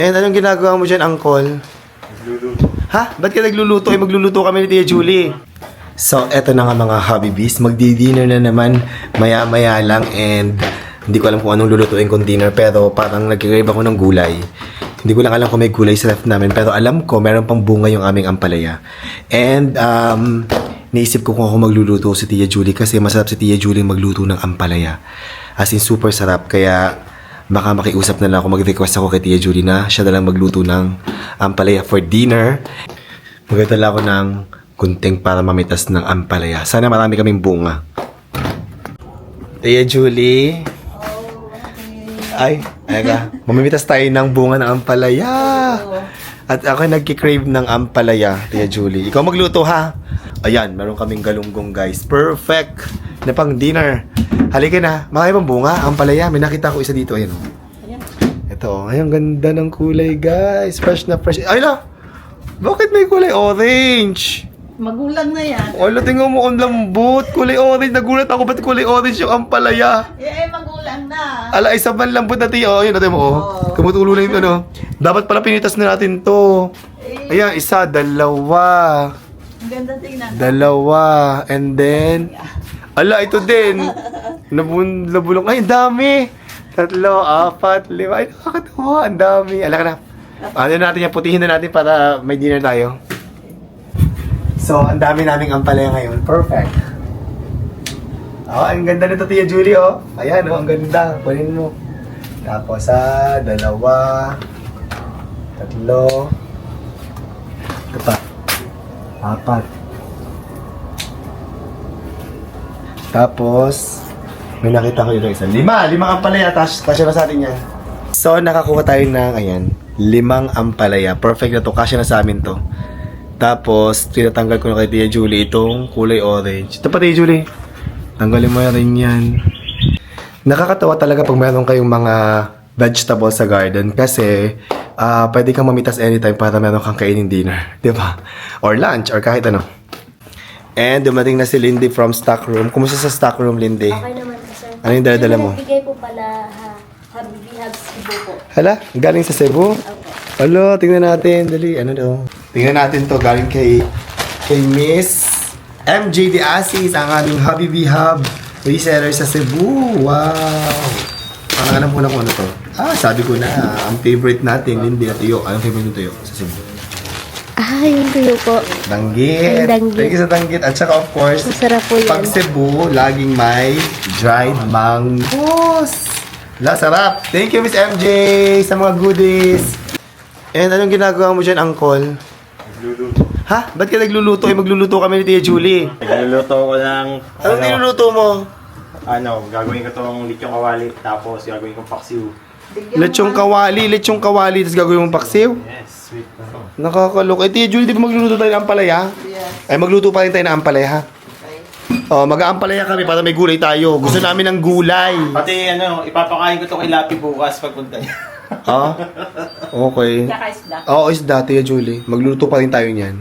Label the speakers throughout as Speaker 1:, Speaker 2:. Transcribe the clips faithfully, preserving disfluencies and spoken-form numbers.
Speaker 1: And anong ginagawa mo dyan, Uncle?
Speaker 2: Nagluluto.
Speaker 1: Ha? Ba't ka nagluluto? Eh, magluluto kami ni Tia Julie. So, eto na nga mga hobby bees. Magdi-dinner na naman maya-maya lang and hindi ko alam kung anong lulutuin kong dinner pero parang nag-crave ako ng gulay. Hindi ko lang alam kung may gulay sa left namin pero alam ko meron pang bunga yung aming ampalaya. And um, naisip ko kung ako magluluto si Tia Julie kasi masarap si Tia Julie magluto ng ampalaya. As in super sarap kaya baka makiusap na lang ako, mag-request ako kay Tia Julie na siya na lang magluto ng ampalaya for dinner. Magdala ako ng gunting para mamitas ng ampalaya. Sana marami kaming bunga. Tia Julie. Ay, ayaga. Mamimitas tayo ng bunga ng ampalaya. At ako nagki-crave ng ampalaya, Tia Julie. Ikaw magluto ha. Ayan, meron kaming galunggong guys. Perfect na pang dinner. Halika na. Marami pang bunga, ampalaya. May nakita ko isa dito. Ayan. Ito. Ay, ang ganda ng kulay guys. Fresh na fresh. Ay na! Bakit may kulay orange?
Speaker 3: Magulang na yan.
Speaker 1: Wala, tingnan mo ang lambot. Kulay orange. Nagulat ako. Ba't kulay orange yung ampalaya?
Speaker 3: Eh, magulang na.
Speaker 1: Ala, isa man lambot natin. Oh, yun natin mo. Oh. Tumutulo na yung ano. Dapat pala pinitas na natin to. Ayan, isa, dalawa.
Speaker 3: Ang ganda tingnan.
Speaker 1: Dalawa. And then, ala, ito din. Nabun, nabulong. Ay, ang dami. Tatlo, apat, lima. Ay, nakakatawa. Ang dami. Ala ka na. Ano natin yan, putihin na natin para may dinner tayo. So, ang dami naming ampalaya ngayon. Perfect. Oh, ang ganda nito, Tia Julie, oh. Ayan, oh, ang ganda. Kunin mo. Tapos, ah, dalawa, tatlo, ito pa, apat. Tapos, may nakita ko yun ng isa. Lima! Limang ampalaya. Tapos, kasya na sa atin yan. So, nakakuha tayo ng, ayan, limang ampalaya. Perfect na to. Kasya na sa amin to. Tapos, tinatanggal ko na kay Tia Julie itong kulay orange. Ito pa, Tia Julie. Tanggalin mo na rin yan. Nakakatawa talaga pag meron kayong mga vegetables sa garden kasi uh, pwede kang mamitas anytime para meron kang kainin dinner. Di ba? Or lunch, or kahit ano. And dumating na si Lindy from stock room. Kumusta sa stock room, Lindy?
Speaker 4: Okay naman po, sir.
Speaker 1: Ano yung dala-dala mo?
Speaker 4: Bigay po pala, ha, Habibi Hugs Cebu po.
Speaker 1: Hala, galing sa Cebu?
Speaker 4: Okay.
Speaker 1: Hala, tingnan natin. Dali, ano daw? Tingnan natin to galing kay kay Miss M J De Asis, ang aming Habibi Hub reseller sa Cebu. Wow! Parang alam ko na kung ano to. Ah, sabi ko na, ang favorite natin, Lindy at Tuyo. Anong favorite ng Tuyo sa Cebu?
Speaker 4: Ah, yung tuyo po.
Speaker 1: Danggit.
Speaker 4: Ang danggit.
Speaker 1: Thank you sa danggit. At saka of course,
Speaker 4: Masarap po yan.
Speaker 1: pag Cebu, laging may dried mangoes. La, sarap. Thank you, Miss M J, sa mga goodies. And anong ginagawa mo dyan, Uncle?
Speaker 2: Nagluluto.
Speaker 1: Ha? Ba't ka nagluluto? Eh, magluluto kami ni Tia Julie.
Speaker 2: Nagluluto ko ng...
Speaker 1: Anong niluluto mo?
Speaker 2: Ano, gagawin ko tong lityong kawali, tapos gagawin kong paksiw.
Speaker 1: Lechong kawali, lechong kawali, tapos gagawin mong paksiw?
Speaker 2: Yes, sweet na.
Speaker 1: Nakakalok. Eh, Tia Julie, di ba magluluto tayo ng ampalaya?
Speaker 3: Yes.
Speaker 1: Ay, magluto pa rin tayo ng ampalaya, ha?
Speaker 3: Okay.
Speaker 1: Oh, mag-aampalaya kami para may gulay tayo. Gusto namin ng gulay.
Speaker 2: Pati ano, ipapakain ko to kay Lapi bukas pagpunta niya.
Speaker 1: Ha? Okay.
Speaker 3: Tsaka isda.
Speaker 1: Oo, isda, Tia Julie. Magluto pa rin tayo niyan.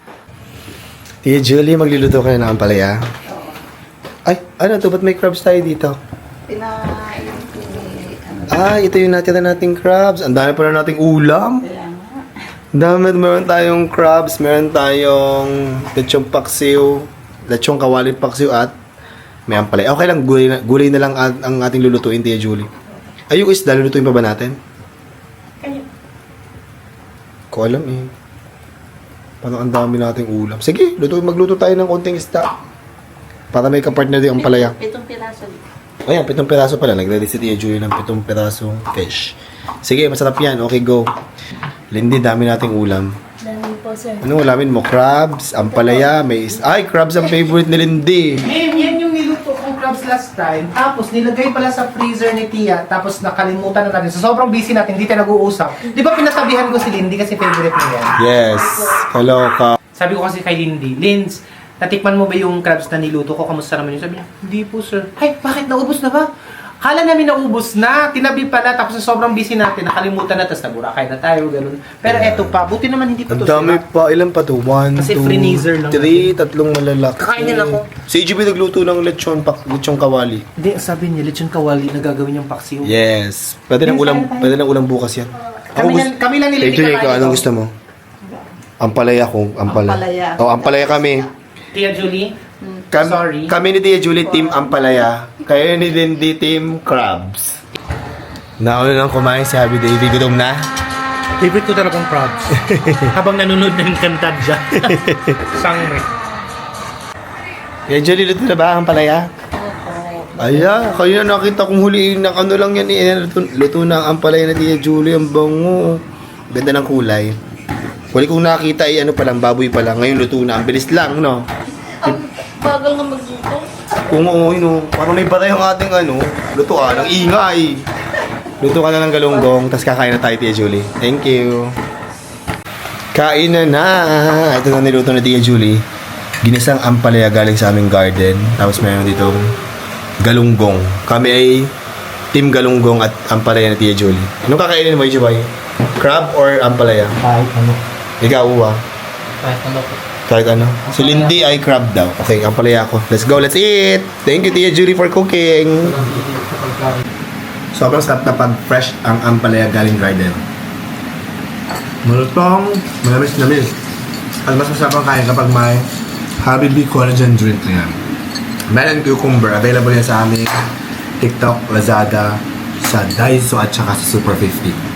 Speaker 1: Tia Julie, magluluto ka na ng ampalaya? Ay, ano to? Ba't may crabs tayo dito?
Speaker 3: Pinain ko ni... Ano,
Speaker 1: Ah, ito yung natira nating crabs. Ang dami pa na nating ulam.
Speaker 3: kaya nga.
Speaker 1: Ang dami. Meron tayong crabs, meron tayong lechong paksiw, lechong kawaling paksiw at may ampalaya. Okay lang, gulay na, gulay na lang ang, ang ating lulutuin, Tia Julie. Ay, yung isda, lulutuin pa ba natin?
Speaker 3: Kayo.
Speaker 1: Ko alam eh. Parang ang dami nating ulam. Sige, luto, magluto tayo ng konting isda. Para may kapartner din ang palaya.
Speaker 3: Pitong piraso.
Speaker 1: Ayan, pitong piraso pala. Nag-ready si Tia Julie ng pitong pirasong fish. Sige, masarap yan. Okay, go. Lindy, dami nating ulam.
Speaker 4: Dami po, sir.
Speaker 1: Ano ulamin mo? Crabs, ampalaya, may is... Ay, crabs ang favorite ni Lindy.
Speaker 5: Eh, yan yung niluto kong crabs last time. Tapos, nilagay pala sa freezer ni Tia. Tapos, nakalimutan na natin. So, sobrang busy natin. Hindi tayo nag-uusap. Di ba pinatabihan ko si Lindy kasi favorite niya yan?
Speaker 1: Yes. Hello, ka.
Speaker 5: Sabi ko kasi kay Lindy, Linz, natikman mo ba yung crabs na niluto ko? Kamusta naman yun? Sabi niya, hindi po, sir. Ay, bakit? Naubos na ba? Kala namin naubos na, tinabi pala, tapos sa sobrang busy natin, nakalimutan na, tapos naburakay na tayo, ganun. Pero eto pa, buti naman hindi ko
Speaker 1: Ang
Speaker 5: to
Speaker 1: dami
Speaker 5: sila.
Speaker 1: pa. Ilan pa to? One,
Speaker 5: Kasi
Speaker 1: two,
Speaker 5: freezer lang
Speaker 1: three, tatlong malalaki.
Speaker 5: Kakainin ako.
Speaker 1: Si E G B nagluto ng lechon, pak, lechon kawali.
Speaker 5: Hindi, sabi niya, lechon kawali na gagawin yung paksiw.
Speaker 1: Yes. Pwede ng
Speaker 5: Yes,
Speaker 1: ulam,
Speaker 5: tayo, tayo.
Speaker 1: pwede ng ulam bukas yan.
Speaker 5: Kami,
Speaker 1: gusto-
Speaker 5: lang, kami lang nila
Speaker 1: Tia Julie, ikaw,
Speaker 5: kakain
Speaker 1: anong
Speaker 5: ito.
Speaker 1: gusto mo? Ampalaya ko. Ampalaya.
Speaker 3: Ampalaya.
Speaker 1: Oh, ampalaya kami.
Speaker 5: Tia Julie,
Speaker 1: Kam-
Speaker 5: Sorry.
Speaker 1: Kami ni Tia Julie, team Ampalaya. Kayo ni Dindy, team Crabs. Nauna nang kumain si Happy Davey. Gutom na?
Speaker 5: favorite ko talagang crabs. Habang nanonood ng kantadya. Sangre.
Speaker 1: Tia Julie, luto na ba ang Ampalaya? Aya, kayo na nakita kong huliin ng ano lang yan eh. Luto, luto na ang Ampalaya na Tia Julie. Ang bango. Ganda ng kulay. Huli kong nakita ay ano pa lang, baboy pa lang. Ngayon luto na. Ang bilis lang, no?
Speaker 3: Ang bagal nga magluto.
Speaker 1: Kung oo, no. Parang may batay ang ating ano. Lutuan. Ang ingay. Luto ka na ng galunggong, tapos kakain na tayo, Tia Julie. Thank you. Kain na na. Ito na niluto na Tia Julie. Ginisang ampalaya galing sa aming garden. Tapos mayroon ditong galunggong. Kami ay team galunggong at ampalaya na Tia Julie. Anong kakainin mo, Jubay? Crab or ampalaya?
Speaker 5: Kahit ano.
Speaker 1: Ikaw, uwa.
Speaker 5: Kahit ano po.
Speaker 1: Kahit ano. Si Lindy ay crab daw. Okay, ampalaya ako. Let's go, let's eat! Thank you, Tia Julie, for cooking. Sobrang sarap na pag fresh ang ampalaya galing garden. Malutong, malamis-lamis. At mas masarap ang kain kapag may Habibi collagen drink na yan. Melon cucumber, available yan sa aming TikTok, Lazada, sa Daiso at saka sa Super fifty.